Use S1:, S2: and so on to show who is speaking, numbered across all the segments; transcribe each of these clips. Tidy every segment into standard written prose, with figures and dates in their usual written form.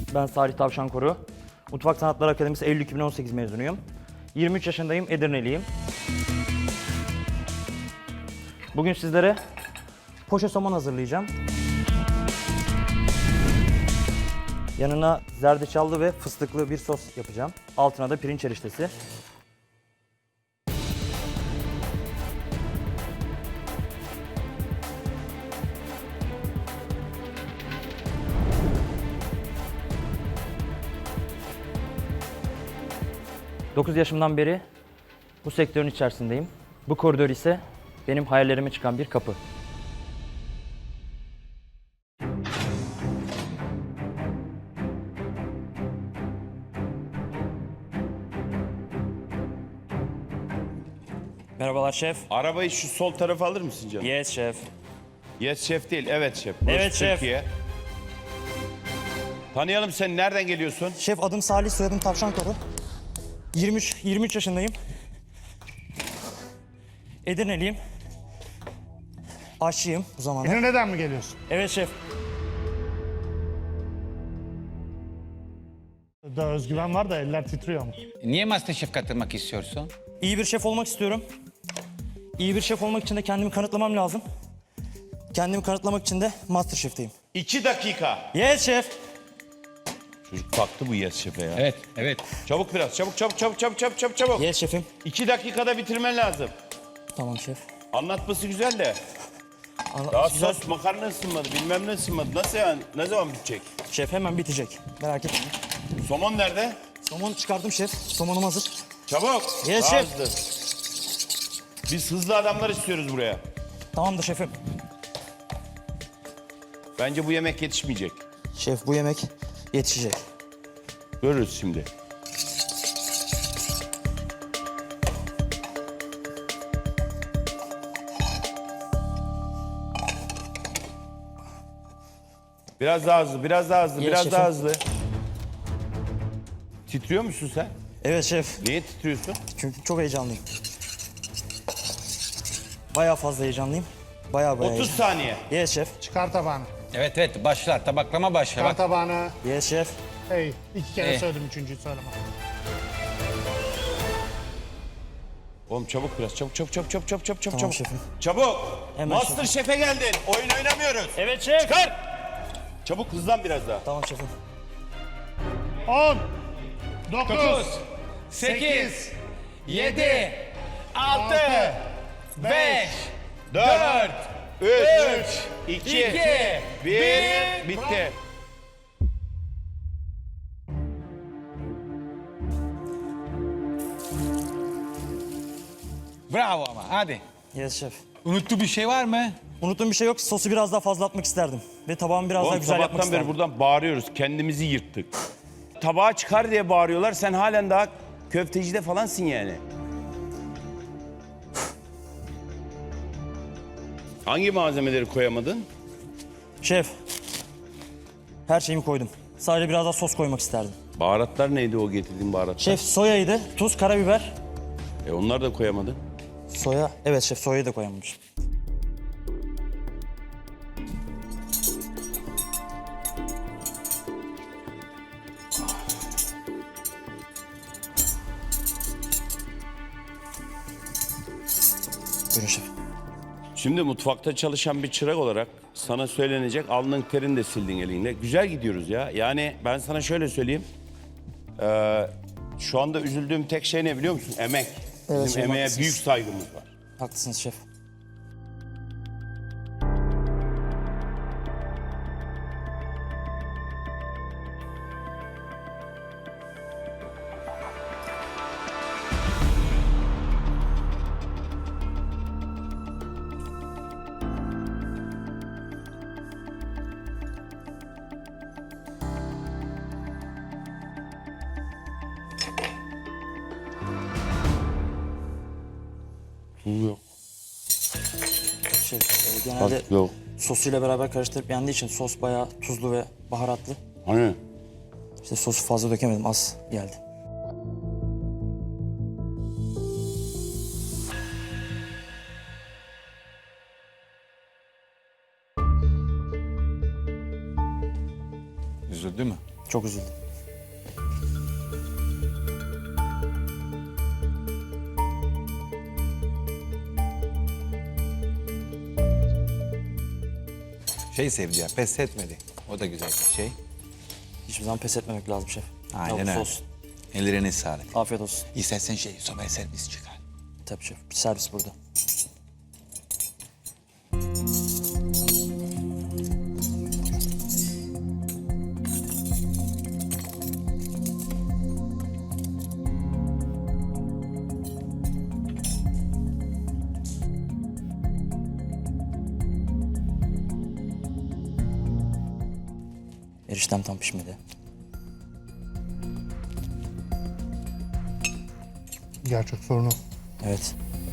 S1: Ben Salih Tavşankoru. Mutfak Sanatları Akademisi Eylül 2018 mezunuyum. 23 yaşındayım, Edirneliyim. Bugün sizlere poşe somon hazırlayacağım. Yanına zerdeçallı ve fıstıklı bir sos yapacağım. Altına da pirinç eriştesi. ...9 yaşımdan beri bu sektörün içerisindeyim. Bu koridor ise benim hayallerime çıkan bir kapı. Merhabalar şef.
S2: Arabayı şu sol tarafa alır mısın canım?
S1: Yes şef.
S2: Yes şef değil, evet şef. Burası
S1: Evet şef.
S2: Türkiye. Tanıyalım seni, nereden geliyorsun?
S1: Şef adım Salih, soyadım Tavşankoru. 23 yaşındayım. Edirneliyim. Aşçıyım bu zamanda.
S3: Neden mi geliyorsun?
S1: Evet şef.
S3: Da özgüven var da eller titriyor ama.
S4: Niye MasterChef katılmak istiyorsun?
S1: İyi bir şef olmak istiyorum. İyi bir şef olmak için de kendimi kanıtlamam lazım. Kendimi kanıtlamak için de MasterChef'teyim.
S2: 2 dakika.
S1: Yes şef.
S2: Çocuk baktı bu yes şefe ya.
S4: Evet, evet.
S2: Çabuk biraz, çabuk.
S1: Yes şefim.
S2: 2 dakikada bitirmen lazım.
S1: Tamam şef.
S2: Anlatması güzel de. Daha sos, makarna ısınmadı, bilmem ne ısınmadı. Nasıl yani? Ne zaman bitecek?
S1: Şef hemen bitecek. Merak etme.
S2: Somon nerede?
S1: Somon çıkardım şef. Somonum hazır.
S2: Çabuk.
S1: Yes
S2: Daha
S1: şef.
S2: hızlı. Biz hızlı adamlar istiyoruz buraya.
S1: Tamamdır şefim.
S2: Bence bu yemek yetişmeyecek.
S1: Şef bu yemek yetişecek.
S2: Görürüz şimdi. Biraz daha hızlı, biraz daha hızlı,
S1: Yes,
S2: biraz daha
S1: şefim.
S2: hızlı. Titriyor musun sen?
S1: Evet şef.
S2: Niye titriyorsun?
S1: Çünkü çok heyecanlıyım. Bayağı fazla heyecanlıyım. Bayağı
S2: 30
S1: heyecanlıyım.
S2: saniye.
S1: Yes şef.
S3: Çıkar tabağını.
S4: Evet, evet. Başlar. Tabaklama başla.
S3: Çıkar
S4: Bak.
S3: tabağını.
S1: Yes şef.
S3: Hey, 2 kere
S4: Hey.
S3: söyledim, üçüncüyü söyleme.
S2: Oğlum çabuk biraz, çabuk.
S1: Tamam şefim.
S2: Çabuk.
S1: Hemen
S2: Master Şef'e geldin. Oyun oynamıyoruz.
S1: Evet şef.
S2: Çıkar. Çabuk hızlan biraz daha.
S1: Tamam şefim.
S3: 10, 9,
S4: 8, 7, 6, 5,
S2: 4, 3, 2,
S4: 2,
S2: 1. Bitti.
S4: Bravo ama. Hadi.
S1: Yes şef.
S4: Unuttuğu bir şey var mı?
S1: Unuttuğum bir şey yok. Sosu biraz daha fazla atmak isterdim. Ve tabağımı biraz daha
S2: Oğlum
S1: güzel yapmak
S2: sabahtan beri
S1: isterdim.
S2: buradan bağırıyoruz. Kendimizi yırttık. Tabağa çıkar diye bağırıyorlar. Sen halen daha köftecide falansın yani. Hangi malzemeleri koyamadın?
S1: Şef. Her şeyimi koydum. Sadece biraz daha sos koymak isterdim.
S2: Baharatlar neydi o getirdiğin baharatlar?
S1: Şef soyaydı. Tuz, karabiber.
S2: Onlar da koyamadın.
S1: Soya. Evet şef soyayı da koyamamışım. Buyurun şef.
S2: Şimdi mutfakta çalışan bir çırak olarak sana söylenecek, alnın terini de sildin elinle. Güzel gidiyoruz ya. Yani ben sana şöyle söyleyeyim. Şu anda üzüldüğüm tek şey ne biliyor musun? Emek.
S1: Evet,
S2: Bizim
S1: şef,
S2: emeğe
S1: haklısınız.
S2: büyük saygımız var.
S1: Haklısınız şef.
S2: Tuz yok.
S1: Şef genelde
S2: Yok.
S1: sosuyla beraber karıştırıp yendiği için sos bayağı tuzlu ve baharatlı.
S2: Hani?
S1: İşte sosu fazla dökemedim, az geldi.
S4: Üzüldü mü?
S1: Çok üzüldüm.
S4: Şey sevdi ya, pes etmedi. O da güzel bir şey.
S1: Hiçbir zaman pes etmemek lazım şef. Ne
S4: Aynen
S1: olursa
S4: öyle.
S1: olsun.
S4: Ellerine sağlık.
S1: Afiyet olsun.
S4: İstersen şey, sobaya servis çıkar.
S1: Tabii şef. Bir servis burada. Eriştem tam pişmedi.
S3: Gerçek sorunu.
S1: Evet.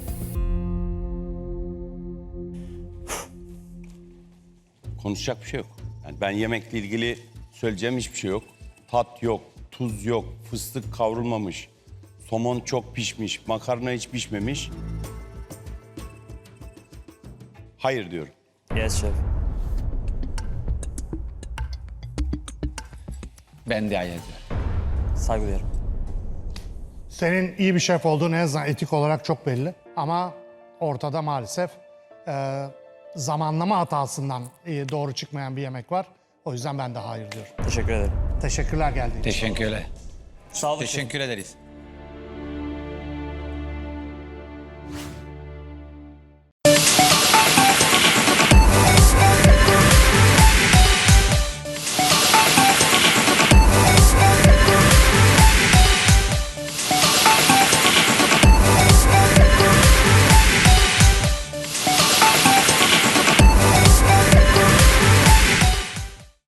S2: Konuşacak bir şey yok. Yani ben yemekle ilgili söyleyeceğim hiçbir şey yok. Tat yok, tuz yok, fıstık kavrulmamış, somon çok pişmiş, makarna hiç pişmemiş. Hayır diyorum.
S1: Yes şef.
S4: Ben de hayır diyorum.
S1: Saygı duyarım.
S3: Senin iyi bir şef olduğun en azından etik olarak çok belli. Ama ortada maalesef zamanlama hatasından doğru çıkmayan bir yemek var. O yüzden ben de hayır diyorum.
S1: Teşekkür ederim.
S3: Teşekkürler geldiğin için.
S4: Teşekkürler.
S1: Sağ olun şef.
S4: Teşekkür ederiz.